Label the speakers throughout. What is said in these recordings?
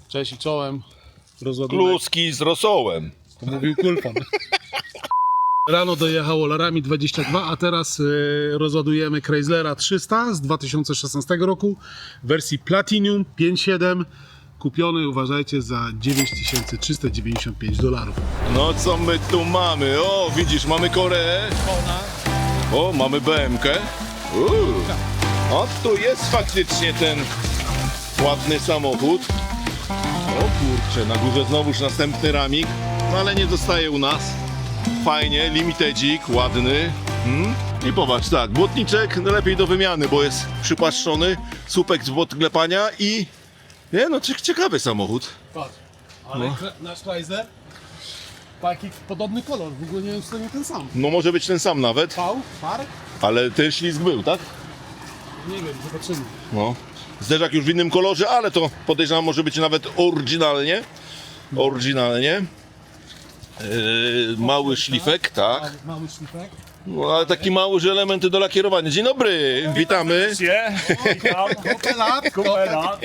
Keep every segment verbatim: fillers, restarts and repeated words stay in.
Speaker 1: Cześć i czołem. Rozładunek.
Speaker 2: Kluski z rosołem.
Speaker 1: To mówił Kulfan. Rano dojechało Laramie dwadzieścia dwa, a teraz y, rozładujemy Chryslera trzysta z dwa tysiące szesnastego roku w wersji Platinum pięć siedem. Kupiony, uważajcie, za dziewięć tysięcy trzysta dziewięćdziesiąt pięć dolarów.
Speaker 2: No co my tu mamy? O, widzisz, mamy Koreę. O, mamy B M K. Uuu. O, tu jest faktycznie ten ładny samochód. O kurczę, na górze znowuż następny ramik, no ale nie zostaje u nas. Fajnie, limitedzik, ładny. Hmm? I popatrz, tak, błotniczek no lepiej do wymiany, bo jest przypłaszczony, słupek z podklepania i... Nie, no ciekawy samochód.
Speaker 1: Patrz, ale no. Nasz Chrysler, taki podobny kolor, w ogóle nie wiem, czy to nie ten sam.
Speaker 2: No może być ten sam nawet,
Speaker 1: V, par?
Speaker 2: ale ten ślizg był, tak?
Speaker 1: Nie wiem, zobaczymy.
Speaker 2: No. Zderzak już w innym kolorze, ale to podejrzewam może być nawet oryginalnie. Oryginalnie. Yy, mały szlifek, tak.
Speaker 1: Mały, mały szlifek.
Speaker 2: No, ale taki mały, że elementy do lakierowania. Dzień dobry, witamy.
Speaker 1: Witam. Kopelat, kopelat.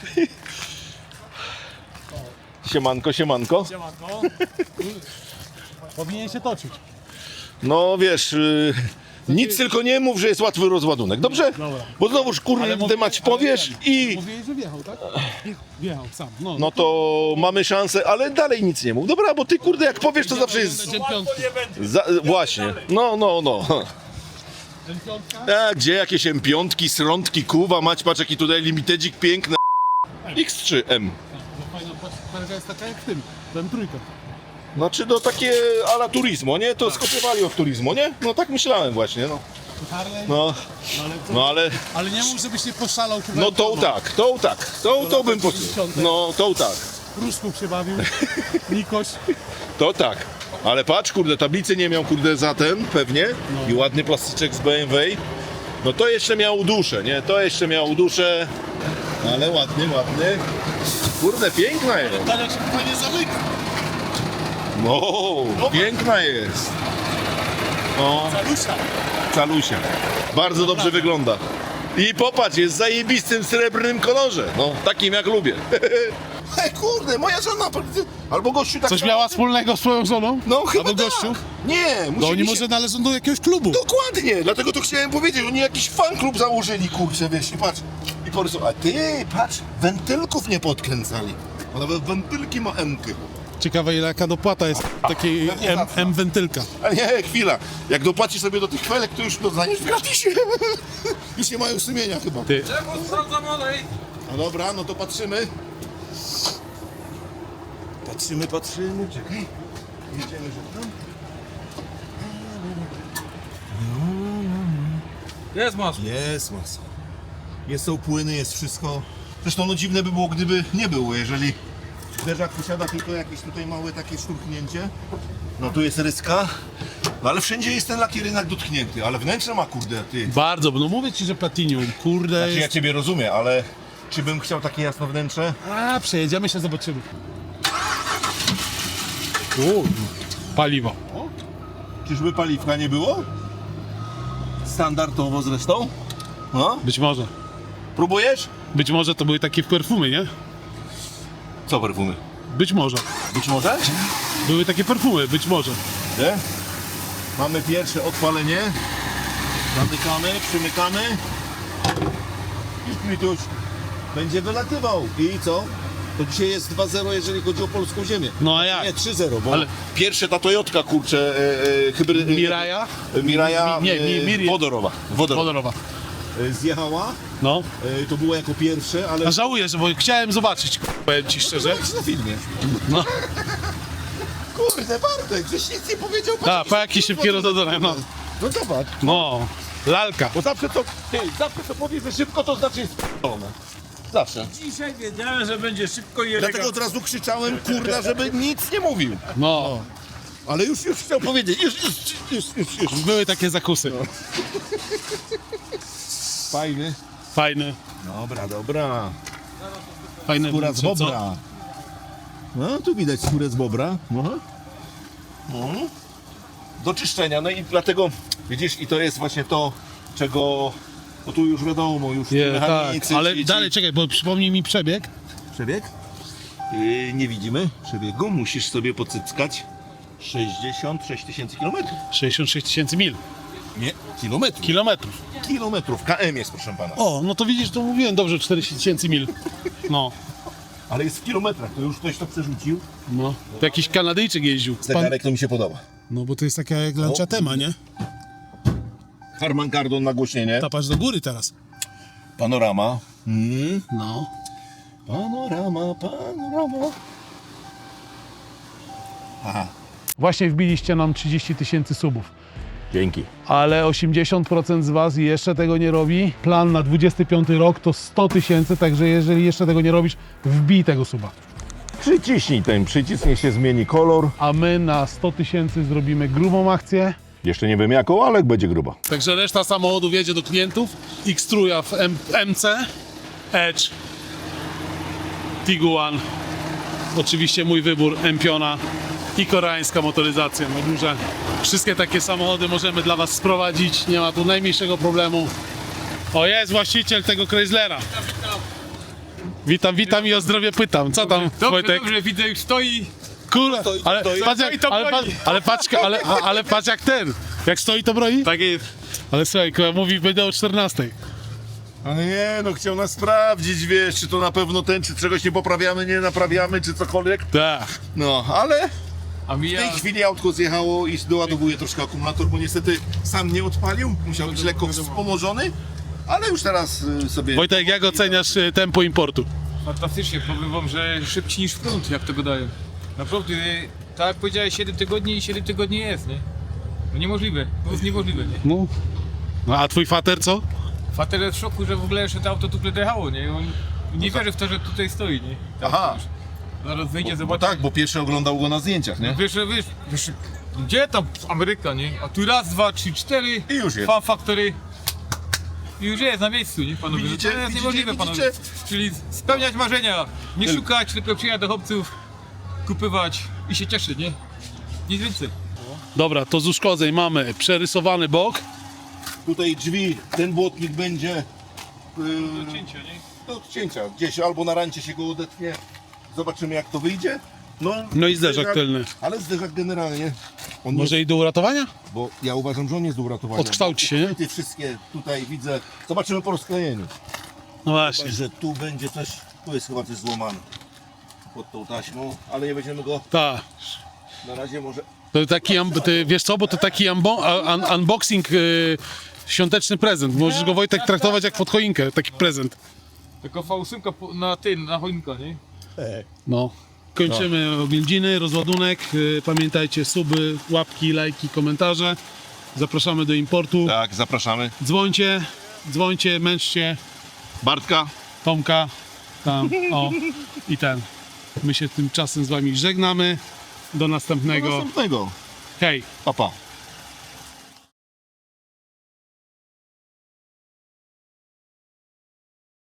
Speaker 2: Siemanko, siemanko.
Speaker 1: Siemanko. Powinien się toczyć.
Speaker 2: No wiesz, yy, nic tylko nie mów, że jest łatwy rozładunek, dobrze?
Speaker 1: Dobra.
Speaker 2: Bo znowuż kurde temat powiesz i...
Speaker 1: Mówiłeś, że wjechał, tak? Wjechał sam. No,
Speaker 2: No to mamy szansę, ale dalej nic nie mów. Dobra, bo ty kurde jak powiesz, to zawsze jest...
Speaker 1: Będzie piątki.
Speaker 2: Za, właśnie, no, no, no.
Speaker 1: Piątka?
Speaker 2: A gdzie jakieś M pięć, srątki, kuwa, mać, patrz jaki tutaj limitedzik piękny. X trzy M.
Speaker 1: No fajna parka jest taka jak w tym, ten trójka.
Speaker 2: Znaczy no takie ala Turismo, nie? To skopiowali od Turismo, nie? No tak myślałem właśnie, no.
Speaker 1: Harley?
Speaker 2: No,
Speaker 1: No, ale, to,
Speaker 2: no ale,
Speaker 1: ale nie mów, żebyś nie poszalał. Chyba
Speaker 2: no to tak, to tak, to, to bym posłuchał. No, to tak,
Speaker 1: Pruszków się bawił, Nikoś.
Speaker 2: to tak. Ale patrz, kurde, tablicy nie miał, kurde, za ten, pewnie. I ładny plastyczek z B M W. No to jeszcze miał duszę, nie? To jeszcze miał duszę. Ale ładny, ładny. Kurde, piękna jest.
Speaker 1: Tak jak się fajnie zamyka.
Speaker 2: No, piękna jest. O,
Speaker 1: Calusia.
Speaker 2: calusia. Bardzo dobrze wygląda. I popatrz, jest w zajebistym srebrnym kolorze. No, takim jak lubię. Hej, kurde, moja żona. Albo gościu tak
Speaker 1: Coś
Speaker 2: samo.
Speaker 1: miała wspólnego z swoją żoną?
Speaker 2: No chyba
Speaker 1: Albo
Speaker 2: tak.
Speaker 1: gościu?
Speaker 2: Nie,
Speaker 1: No
Speaker 2: musieli
Speaker 1: oni
Speaker 2: się...
Speaker 1: może należą do jakiegoś klubu.
Speaker 2: Dokładnie, dlatego to chciałem powiedzieć, oni jakiś fanklub założyli, kurczę, wiesz, i patrz, i porysowali, a ty, patrz, wentylków nie podkręcali, a nawet wentylki ma M-ky.
Speaker 1: Ciekawe ile jaka dopłata jest takiej
Speaker 2: pewnie
Speaker 1: M,
Speaker 2: zacna.
Speaker 1: M-wentylka.
Speaker 2: Ale nie, chwila, jak dopłacisz sobie do tych felek, to już dostaniesz w gratisie, już nie mają sumienia chyba.
Speaker 1: Ty.
Speaker 2: No dobra, no to patrzymy. Patrzymy, patrzymy, czekaj, jedziemy, że tam.
Speaker 3: Jest masło.
Speaker 2: Jest masa. Jest są płyny, jest wszystko. Zresztą no dziwne by było, gdyby nie było, jeżeli zderzak posiada tylko jakieś tutaj małe takie szturchnięcie. No tu jest ryska, no ale wszędzie jest ten lakier jednak dotknięty, ale wnętrze ma kurde ty.
Speaker 1: Bardzo, no mówię ci, że Platinum, kurde
Speaker 2: Znaczy ja
Speaker 1: jest...
Speaker 2: ciebie rozumiem, ale czy bym chciał takie jasno wnętrze?
Speaker 1: A, przejedziemy się, zobaczymy. U, paliwo.
Speaker 2: Czyżby paliwka nie było? Standardowo zresztą. No,
Speaker 1: Być może.
Speaker 2: próbujesz?
Speaker 1: Być może to były takie perfumy, nie?
Speaker 2: Co perfumy?
Speaker 1: Być może.
Speaker 2: Być może?
Speaker 1: Były takie perfumy, być może.
Speaker 2: Nie? Mamy pierwsze odpalenie. Zamykamy, przymykamy. I Krituś będzie wylatywał. I co? To dzisiaj jest dwa zero, jeżeli chodzi o polską ziemię.
Speaker 1: No a jak?
Speaker 2: Nie, trzy zero, bo
Speaker 1: Ale-
Speaker 2: pierwsze ta Toyotka, kurczę, e, e, hybryd...
Speaker 1: Miraja?
Speaker 2: e, Miraja
Speaker 1: Mi- nie, mi-
Speaker 2: e,
Speaker 1: Miri-
Speaker 2: wodorowa. Wodorowa.
Speaker 1: Wodorowa.
Speaker 2: E, Zjechała.
Speaker 1: No.
Speaker 2: E, to było jako pierwsze, ale...
Speaker 1: A żałuję, że bo chciałem zobaczyć, powiem ci szczerze.
Speaker 2: Jak na filmie.
Speaker 1: No.
Speaker 2: Kurde, Bartek, żeś nic nie powiedział.
Speaker 1: Tak, po jakiś szybki rozładunek, no.
Speaker 2: No zobacz.
Speaker 1: No. Lalka.
Speaker 2: Bo zawsze to, ty, zawsze to powie, że szybko, to znaczy jest p***one. Zawsze.
Speaker 3: Dzisiaj wiedziałem, że będzie szybko i
Speaker 2: Dlatego od razu krzyczałem, kurda, żeby nic nie mówił.
Speaker 1: No.
Speaker 2: Ale już, już chciał powiedzieć, już, już, już, już, już.
Speaker 1: Były takie zakusy.
Speaker 2: Fajny.
Speaker 1: Fajny.
Speaker 2: Dobra, dobra.
Speaker 1: Fajny.
Speaker 2: Skóra z
Speaker 1: co- co?
Speaker 2: bobra. No, tu widać skórę z bobra. No. No. Do czyszczenia, no i dlatego, widzisz, i to jest właśnie to, czego, no tu już wiadomo, już
Speaker 1: Nie, tak,
Speaker 2: mechanicy,
Speaker 1: ale
Speaker 2: ci, ci...
Speaker 1: dalej czekaj, bo przypomnij mi przebieg.
Speaker 2: Przebieg? Yy, nie widzimy przebiegu, musisz sobie pocyckać. sześćdziesiąt sześć tysięcy kilometrów.
Speaker 1: sześćdziesiąt sześć tysięcy mil.
Speaker 2: Nie, kilometrów.
Speaker 1: Kilometrów.
Speaker 2: Kilometrów, K M jest, proszę pana.
Speaker 1: O, no to widzisz, to mówiłem dobrze, czterdzieści tysięcy mil. No,
Speaker 2: Ale jest w kilometrach, to już ktoś to przerzucił.
Speaker 1: no. To jakiś Kanadyjczyk jeździł.
Speaker 2: Zegarek to mi się podoba.
Speaker 1: No bo to jest taka jak Lancia Tema, nie?
Speaker 2: Harman Kardon nagłośnienie.
Speaker 1: Tapasz do góry teraz.
Speaker 2: Panorama. Mm.
Speaker 1: No.
Speaker 2: Panorama, panorama. Aha.
Speaker 1: Właśnie wbiliście nam trzydzieści tysięcy subów.
Speaker 2: Dzięki.
Speaker 1: Ale osiemdziesiąt procent z Was jeszcze tego nie robi. Plan na dwudziesty piąty rok to sto tysięcy, także jeżeli jeszcze tego nie robisz, wbij tego suba.
Speaker 2: Przyciśnij ten przycisk, niech się zmieni kolor.
Speaker 1: A my na sto tysięcy zrobimy grubą akcję.
Speaker 2: Jeszcze nie wiem jaką, ale będzie gruba.
Speaker 1: Także reszta samochodów jedzie do klientów. X-Truja w M- MC, Edge, Tiguan, oczywiście mój wybór, Empiona i koreańska motoryzacja na górze. Wszystkie takie samochody możemy dla Was sprowadzić, nie ma tu najmniejszego problemu. O, jest właściciel tego Chryslera. Witam, witam i o zdrowie pytam. Co tam,
Speaker 3: Dobrze,
Speaker 1: Wojtek?
Speaker 3: dobrze, widzę już stoi.
Speaker 1: Kurde,
Speaker 2: Stoi,
Speaker 1: ale
Speaker 2: stoi.
Speaker 1: patrz jak,
Speaker 3: Stoi, to
Speaker 1: ale,
Speaker 3: broni.
Speaker 1: patrz, ale, patrz, ale, ale patrz jak ten, jak stoi to broni?
Speaker 3: Tak jest.
Speaker 1: Ale słuchaj, kurwa, mówi będę o czternastej.
Speaker 2: Ale nie, no chciał nas sprawdzić, wiesz, czy to na pewno ten, czy czegoś nie poprawiamy, nie naprawiamy, czy cokolwiek.
Speaker 1: Tak.
Speaker 2: No, ale
Speaker 3: A
Speaker 2: w
Speaker 3: mija...
Speaker 2: tej chwili autko zjechało i doładowuje troszkę akumulator, bo niestety sam nie odpalił, musiał być lekko wspomożony, ale już teraz y, sobie...
Speaker 1: Wojtek, jak oceniasz y, tempo importu?
Speaker 3: Fantastycznie, powiem wam, że szybciej niż front, jak to gadają. Naprawdę, tak jak powiedziałeś, siedem tygodni i siedem tygodni jest, nie? No niemożliwe, to jest niemożliwe, nie?
Speaker 1: No. No a twój fater co?
Speaker 3: Fater jest w szoku, że w ogóle jeszcze to auto tu dojechało, nie? On nie wierzy w to, że tutaj stoi, nie? Tak,
Speaker 2: Aha.
Speaker 3: już. Zaraz wyjdzie,
Speaker 2: Bo
Speaker 3: zobaczy.
Speaker 2: tak, bo pierwszy oglądał go na zdjęciach, nie?
Speaker 3: Wiesz, wiesz, wiesz, gdzie tam Ameryka, nie? A tu raz, dwa, trzy, cztery.
Speaker 2: I już jest.
Speaker 3: Fan Factory. I już jest na miejscu, nie panowie?
Speaker 2: Widzicie?
Speaker 3: To jest
Speaker 2: Widzicie?
Speaker 3: niemożliwe, panowie.
Speaker 2: Widzicie?
Speaker 3: Czyli spełniać marzenia. Nie szukać, tylko przyjechać do chłopców, kupywać i się cieszyć, nie? Nic więcej.
Speaker 1: Dobra, to z uszkodzeń mamy przerysowany bok.
Speaker 2: Tutaj drzwi, ten błotnik będzie yy,
Speaker 3: Cięcia, nie?
Speaker 2: do odcięcia, gdzieś albo na rancie się go odetnie, zobaczymy jak to wyjdzie. No,
Speaker 1: No i zderzak tylny.
Speaker 2: Ale zderzak generalnie, on
Speaker 1: Może
Speaker 2: jest,
Speaker 1: i do uratowania?
Speaker 2: bo ja uważam, że on jest do uratowania.
Speaker 1: Odkształci się, nie?
Speaker 2: Te wszystkie tutaj widzę, zobaczymy po rozklejeniu.
Speaker 1: No właśnie.
Speaker 2: Że tu będzie coś, tu jest chyba coś złamane pod tą taśmą, ale nie będziemy go
Speaker 1: Tak.
Speaker 2: na razie może...
Speaker 1: To taki, un- ty, wiesz co, bo to taki unbo- a- un- unboxing, y, świąteczny prezent. Możesz go, Wojtek, traktować jak pod choinkę, taki prezent.
Speaker 3: Tylko V osiem po- na tym, na choinka, nie?
Speaker 1: No. Kończymy oględziny, rozładunek. Y, Pamiętajcie, suby, łapki, lajki, komentarze. Zapraszamy do importu.
Speaker 2: Tak, zapraszamy.
Speaker 1: Dzwońcie, dzwońcie, męczcie
Speaker 2: Bartka.
Speaker 1: Tomka, tam, o, i ten. My się tymczasem z Wami żegnamy. Do
Speaker 2: Do
Speaker 1: następnego.
Speaker 2: następnego.
Speaker 1: Hej!
Speaker 2: Pa, pa.